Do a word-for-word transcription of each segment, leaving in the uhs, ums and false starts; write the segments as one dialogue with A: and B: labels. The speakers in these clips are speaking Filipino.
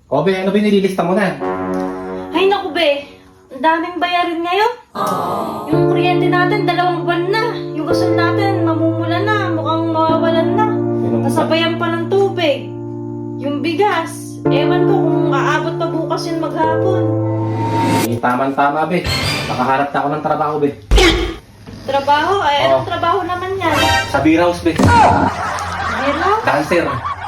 A: O be, ano ba yung nililista mo na?
B: Ay naku be, ang daming bayarin ngayon. Yung kuryente natin, dalawang buwan na. Yung gasol natin, mamumula na, mukhang mawawalan na. Nasabayan pa ng tubig. Yung bigas, ewan ko kung aabot pa bukas yun maghapon.
A: Eh, tama-tama be. Nakaharap na ako ng trabaho be.
B: Trabaho? Ay,
A: Oo.
B: anong trabaho naman yan?
A: Sa beer house be.
B: Hello?
A: Dancer.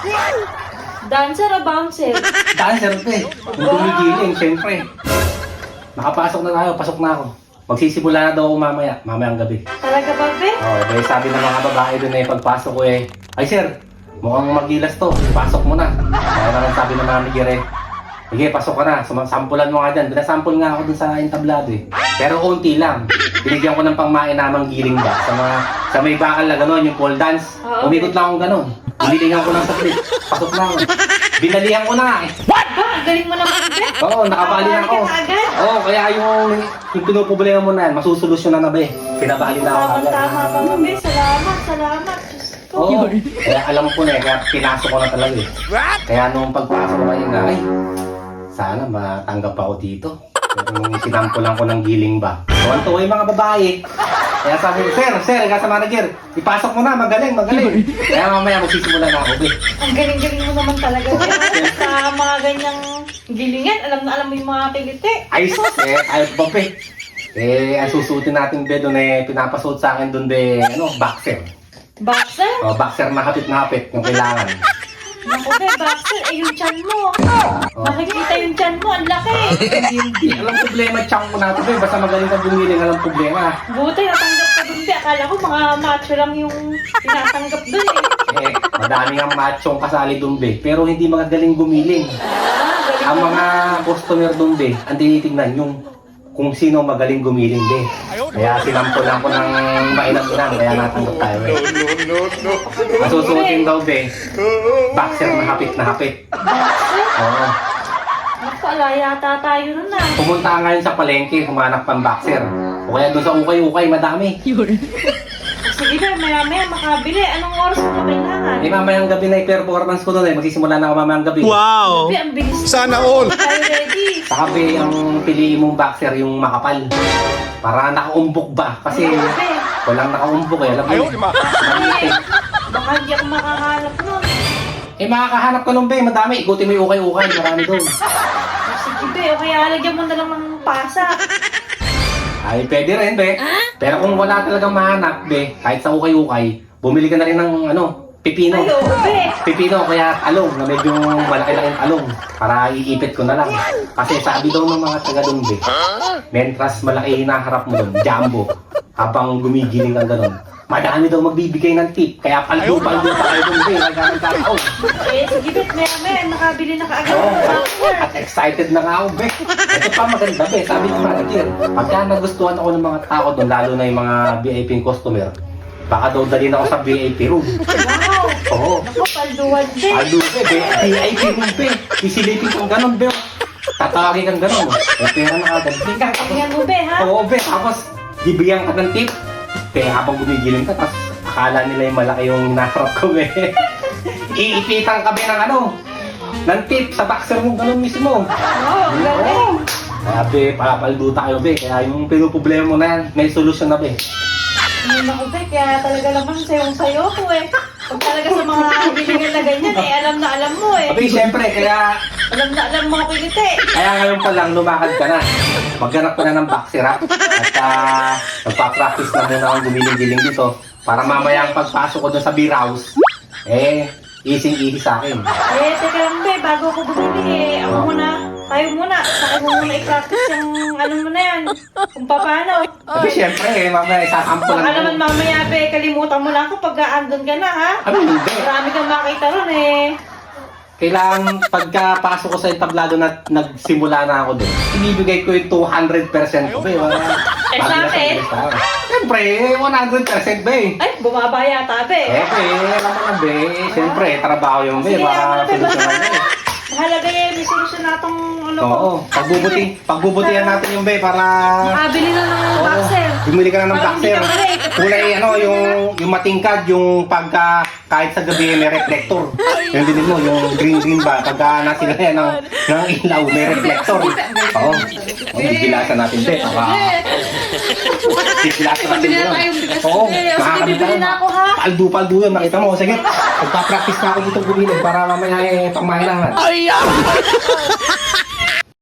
B: Dancer o bouncer?
A: Dancer be. Kung gumigiling, syempre. Nakapasok na tayo, pasok na ako. Magsisimula na daw ako mamaya, mamayang gabi.
B: Talaga ba be?
A: Oh, dahil sabi ng mga babae doon eh, pagpasok ko eh, ay sir, mukhang magilas to, pasok mo na. Kaya naman sabi ng manager eh, sige, pasok ka na, sampulan mo nga dyan. Binasample nga ako dun sa entablado eh. Pero unti lang. Binigyan ko ng pangmainamang giling ba sa mga, sa may bakal na gano'n, yung pole dance.
B: Oo.
A: Umikot lang akong gano'n. Binilingan ko ng saplit. Pasok na ako. Binalihan ko na nga eh.
B: Ba, ang galing mo naman be.
A: Oo, nakabali na ako.
B: Nakabali ka na agad?
A: Oo, kaya yung, yung pinuproblema mo na yan, masusolusyonan na ba eh. Pinabali na ako agad.
B: Tama-tama pa mo be. Salamat, salamat. Diyos ko.
A: Oo, kaya alam ko na eh, kaya pinasok ko na talaga eh. Kaya nung pagpasok ko kayo na, ay, sana matanggap ako dito. Pero nung sinampulan ko ng giling ba. Tuwan-tuwa yung mga babae. Kaya sabi ko, sir, sir, kaya sa manager, ipasok mo na, magaling, magaling. Kaya mamaya magsisimula na ako, be.
B: Ang galing-galing mo naman talaga. Be. Sa mga ganyang gilingan, alam na alam mo yung mga kiliti.
A: Ay, eh, ayaw ba, be? Eh, ang susutin natin, be, doon eh, pinapasuot sa akin doon, be, ano, boxer.
B: Boxer?
A: O, boxer na hapit na hapit, yung kailangan.
B: Naku be, boxer, eh yung tiyan mo.
A: Oh.
B: Makikita yung tiyan mo, ang laki.
A: Hindi, alam problema, tiyang ko natin, be. Basta magaling ka gumiling, alam problema.
B: Buti, natanggap ka dun be. Akala ko mga macho lang yung tinatanggap dun eh.
A: Eh, madami ang machong kasali doon, be. Pero hindi magagaling gumiling.
B: Ah, galing
A: Ang
B: mo.
A: mga customer doon, be, ang tinitignan yung kung sino magaling gumiling, be. Kaya sinampulan ko ng mainam-inam, kaya natanggap tayo, be. Ang susuotin daw, be, boxer na hapit na hapit.
B: Boxer?
A: Oo.
B: Naku, ala yata tayo nun ah.
A: Pumunta ka ngayon sa palengke, humanap pang boxer. O kaya doon sa ukay-ukay, madami.
B: Sige be, maya-maya makabili. Anong oras mo kailangan?
A: Eh, mamayang gabi na yung performance ko doon, eh. Magsisimula na ako mamayang gabi.
C: Wow!
B: Be, ang bilis.
C: Sana all!
B: Tayo ready.
A: Saka, be, ang piliin mong boxer, yung makapal. Para nakaumbok ba? Kasi
B: Be,
A: walang nakaumbok eh. Alam mo yun. Maliit eh.
B: baka hindi ako makahanap nun.
A: Eh, makakahanap ka nun, be. Madami. Ikutin mo yung ukay-ukay. Marami doon.
B: Sige be, o kaya lagyan mo na lang ng pasa.
A: Ay, pwede rin, be. Pero kung wala talagang mahanap, be, kahit sa ukay-ukay, bumili ka na rin ng, ano, pipino.
B: Ay, oo be.
A: Pipino, kaya talong, na medyo malaki-laking talong. Para iipit ko na lang. Kasi sabi daw ng mga taga doon, be, mentras malaki hinaharap mo doon, jumbo, habang gumigiling ka gano'n. Madami daw magbibigay ng tip, kaya paldo-paldo pa kayo doon, be, nagkakaroon.
B: Eh, sige be, maya-maya nakabili na kaagad
A: Oo,
B: ng boxer.
A: at excited na nga ako, be. Ito pa maganda, be. Sabi ko manager, pagka nagustuhan ako ng mga tao doon, lalo na yung mga V I P customer, baka daw dalhin ako sa V I P room.
B: Wow.
A: Oo.
B: Naku, palduan be.
A: Alo, be, be. V I P room, be. Isilipin kang ganon, be. Tatawagin kang ganon. May pera na agad, be.
B: Tingnan mo be, ha?
A: Oo, be. Tapos, bibigyan ka ng tip. Be, habang gumigiling ka, tapos akala nila yung malaki yung naharap ko, be. Iipitan ka, be, ng ano, ng tip sa boxer mo, ganon mismo.
B: Wow, ang galing.
A: Kaya, be, papaldo tayo, be. Kaya yung pinuproblema mo na yan, may solusyon na, be.
B: Hindi na ko be, kaya talaga naman sayong-sayo ko eh. Pag talaga sa mga bilingan na ganyan eh, alam na alam mo eh.
A: Abi, syempre, kaya,
B: Alam na alam mo kiliti.
A: kaya ngayon pa lang lumakad ka na. Maghanap ka na ng boxer, ha? At uh, nagpa-practice na muna akong gumiling-giling dito. Para mamaya ang pagpasok ko doon sa beer house, eh, easy-easy sa akin.
B: Eh, teka lang be, bago ako bumili eh. Ako muna, tayo muna. Saka mo muna i-practice yung ano mo na yan. Kung paano.
A: Abi, syempre, eh, mamaya isasampo
B: Baka
A: lang.
B: naman mamaya be, kalimutan mo lang ako pag andun ka na ha.
A: Abi, hindi.
B: Marami kang makita ron eh.
A: Kailangan pagkapasok ko sa entablado na nagsimula na ako doon, ibibigay ko yung two hundred percent ko, be. Wala.
B: Eh, sa akin?
A: Siyempre, one hundred percent, be.
B: Ay, bumaba yata be.
A: Eh, be, alam mo na, be. Siyempre, trabaho yung, be.
B: Sige,
A: Baka
B: ako na, be.
A: solusyonan, be.
B: Mahalaga eh, may solusyon na itong ano ko.
A: Oo, pagbubuti, pagbubutihan natin yung, be, para...
B: Makabili na ng
A: Oo,
B: boxer.
A: Bumili ka na ng
B: Parang
A: boxer.
B: hindi ka pare.
A: Kulay ano, yung, yung matingkad, yung pagka kahit sa gabi may reflector. Yung din mo, yung green-green ba, pagka nasila yan ng, ng ilaw, may reflector. Oo. Oh, bibilasan natin, te. Baka, bibilasan natin
B: Bibili na
A: yun.
B: tayong bigas,
A: Oo,
B: te. O, sige,
A: makakabit
B: bibili
A: ka.
B: na ako, ha?
A: Paldo-paldo yun, makita mo. Sige, magpa-practice na ako dito bumili para mamaya eh, pangmahilangan.
C: Ay,